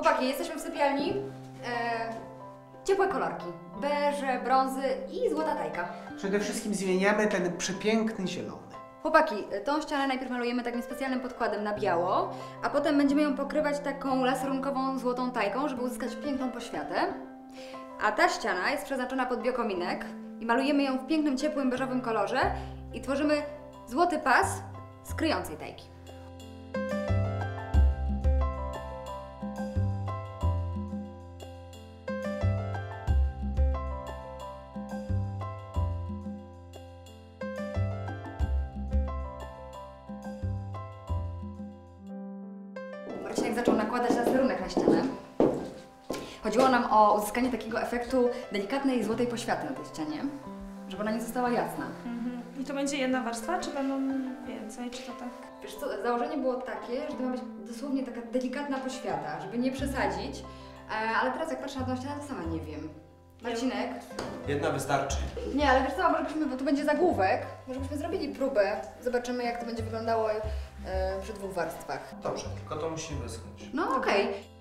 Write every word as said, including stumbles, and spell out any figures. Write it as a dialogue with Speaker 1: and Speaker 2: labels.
Speaker 1: Chłopaki, jesteśmy w sypialni. E, ciepłe kolorki. Beże, brązy i złota tajka.
Speaker 2: Przede wszystkim zmieniamy ten przepiękny zielony.
Speaker 1: Chłopaki, tą ścianę najpierw malujemy takim specjalnym podkładem na biało, a potem będziemy ją pokrywać taką laserunkową złotą tajką, żeby uzyskać piękną poświatę. A ta ściana jest przeznaczona pod biokominek i malujemy ją w pięknym, ciepłym, beżowym kolorze i tworzymy złoty pas z kryjącej tajki. Marcinek zaczął nakładać laserunek na ścianę. Chodziło nam o uzyskanie takiego efektu delikatnej złotej poświaty na tej ścianie, żeby ona nie została jasna.
Speaker 3: Mhm. I to będzie jedna warstwa, czy będą więcej, czy to tak?
Speaker 1: Wiesz co, założenie było takie, że to ma być dosłownie taka delikatna poświata, żeby nie przesadzić, e, ale teraz jak patrzę na tą ścianę, to sama nie wiem. Marcinek?
Speaker 4: Jedna wystarczy.
Speaker 1: Nie, ale wiesz co, może byśmy, bo tu będzie zagłówek, może byśmy zrobili próbę, zobaczymy jak to będzie wyglądało e, przy dwóch warstwach.
Speaker 4: Dobrze, tylko to musi wyschnąć.
Speaker 1: No okej. Okay.